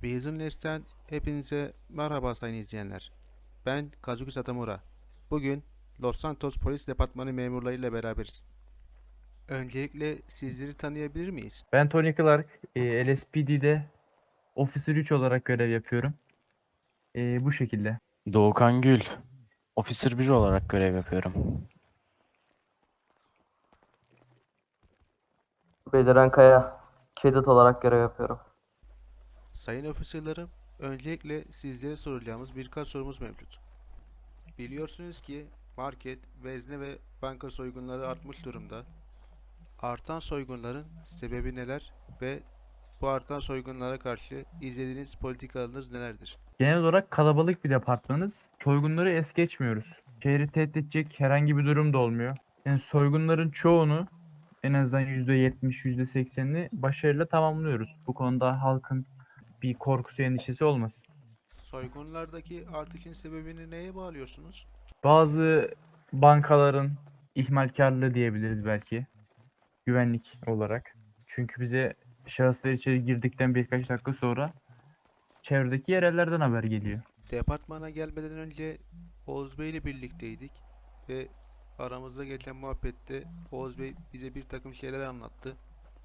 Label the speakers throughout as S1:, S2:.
S1: Business'ten hepinize merhaba sayın izleyenler. Ben Kazuki Satamura. Bugün Los Santos Polis Departmanı memurlarıyla beraberiz. Öncelikle sizleri tanıyabilir miyiz?
S2: Ben Tony Clark, LSPD'de Officer 3 olarak görev yapıyorum. Bu şekilde.
S3: Doğukan Gül, Officer 1 olarak görev yapıyorum.
S4: Beliren Kaya, Cadet olarak görev yapıyorum.
S1: Sayın ofisörlerim, öncelikle sizlere soracağımız birkaç sorumuz mevcut. Biliyorsunuz ki market, vezne ve banka soygunları artmış durumda. Artan soygunların sebebi neler ve bu artan soygunlara karşı izlediğiniz politikalarınız nelerdir?
S2: Genel olarak kalabalık bir departmanız. Soygunları es geçmiyoruz. Şehri tehdit edecek herhangi bir durum da olmuyor. Yani soygunların çoğunu en azından %70, %80'ini başarıyla tamamlıyoruz. Bu konuda halkın bir korkusu, endişesi olmasın.
S1: Soygunlardaki artışın sebebini neye bağlıyorsunuz?
S2: Bazı bankaların ihmalkarlığı diyebiliriz belki. Güvenlik olarak. Çünkü bize şahıslar içeri girdikten birkaç dakika sonra çevredeki yerellerden haber geliyor.
S1: Departmana gelmeden önce Oğuz Bey ile birlikteydik ve aramızda geçen muhabbette Oğuz Bey bize bir takım şeyler anlattı.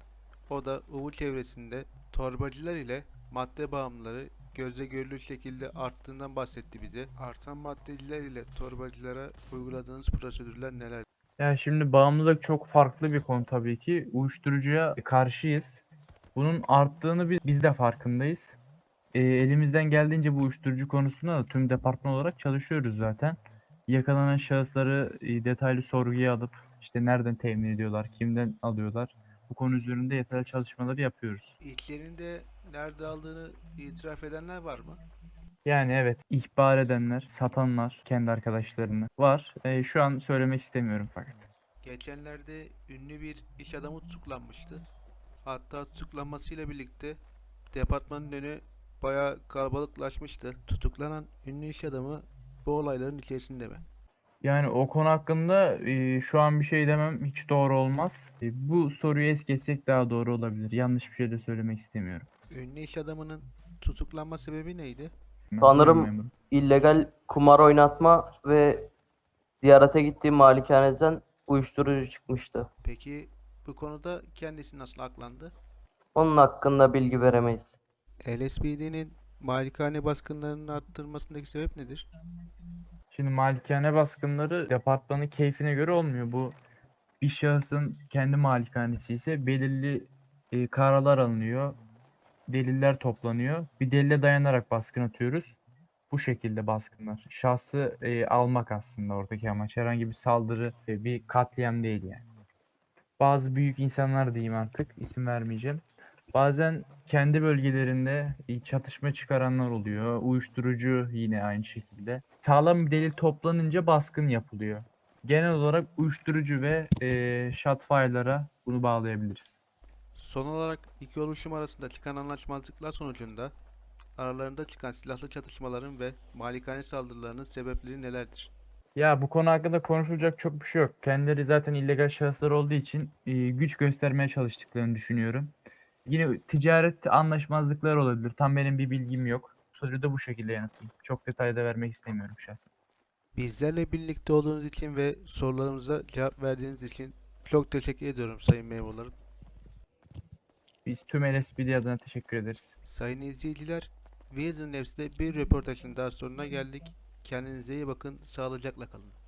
S1: O da Uğur çevresinde torbacılar ile madde bağımlıları gözle görülür şekilde arttığından bahsetti bize. Artan maddeciler ile torbacılara uyguladığınız prosedürler neler?
S2: Yani şimdi bağımlılık çok farklı bir konu tabii ki. Uyuşturucuya karşıyız. Bunun arttığını biz de farkındayız. Elimizden geldiğince bu uyuşturucu konusunda da tüm departman olarak çalışıyoruz zaten. Yakalanan şahısları detaylı sorguya alıp işte nereden temin ediyorlar, kimden alıyorlar. Bu konu üzerinde yeterli çalışmaları yapıyoruz.
S1: İçlerinde nerede aldığını itiraf edenler var mı?
S2: Yani evet, ihbar edenler, satanlar kendi arkadaşlarını var. Şu an söylemek istemiyorum fakat.
S1: Geçenlerde ünlü bir iş adamı tutuklanmıştı. Hatta tutuklanmasıyla birlikte departmanın önü bayağı kalabalıklaşmıştı. Tutuklanan ünlü iş adamı bu olayların içerisinde mi?
S2: Yani o konu hakkında şu an bir şey demem hiç doğru olmaz. Bu soruyu es geçsek daha doğru olabilir. Yanlış bir şey de söylemek istemiyorum.
S1: Ünlü iş adamının tutuklanma sebebi neydi?
S2: Buyurun
S4: Sanırım
S2: memurum.
S4: illegal kumar oynatma ve ziyarete gittiğim malikaneden uyuşturucu çıkmıştı.
S1: Peki bu konuda kendisi nasıl aklandı?
S4: Onun hakkında bilgi veremeyiz.
S1: LSPD'nin malikane baskınlarının arttırmasındaki sebep nedir?
S2: Şimdi malikane baskınları departmanın keyfine göre olmuyor. Bu bir şahısın kendi malikanesi ise belirli kararlar alınıyor. Deliller toplanıyor. Bir delile dayanarak baskın atıyoruz. Bu şekilde baskınlar. Şahsı almak aslında oradaki amaç. Herhangi bir saldırı, bir katliam değil yani. Bazı büyük insanlar diyeyim artık, isim vermeyeceğim. Bazen kendi bölgelerinde çatışma çıkaranlar oluyor. Uyuşturucu yine aynı şekilde. Sağlam bir delil toplanınca baskın yapılıyor. Genel olarak uyuşturucu ve shotfire'lara bunu bağlayabiliriz.
S1: Son olarak iki oluşum arasında çıkan anlaşmazlıklar sonucunda aralarında çıkan silahlı çatışmaların ve malikane saldırılarının sebepleri nelerdir?
S2: Ya bu konu hakkında konuşulacak çok bir şey yok. Kendileri zaten illegal şahıslar olduğu için güç göstermeye çalıştıklarını düşünüyorum. Yine ticaret anlaşmazlıkları olabilir. Tam benim bir bilgim yok. Soruyu da bu şekilde yanıtlayayım. Çok detayda vermek istemiyorum şahsen.
S1: Bizlerle birlikte olduğunuz için ve sorularımıza cevap verdiğiniz için çok teşekkür ediyorum sayın memurlarım.
S2: Biz tüm LSPD adına teşekkür ederiz.
S1: Sayın izleyiciler, Vision News'te bir röportajın daha sonuna geldik. Kendinize iyi bakın, sağlıcakla kalın.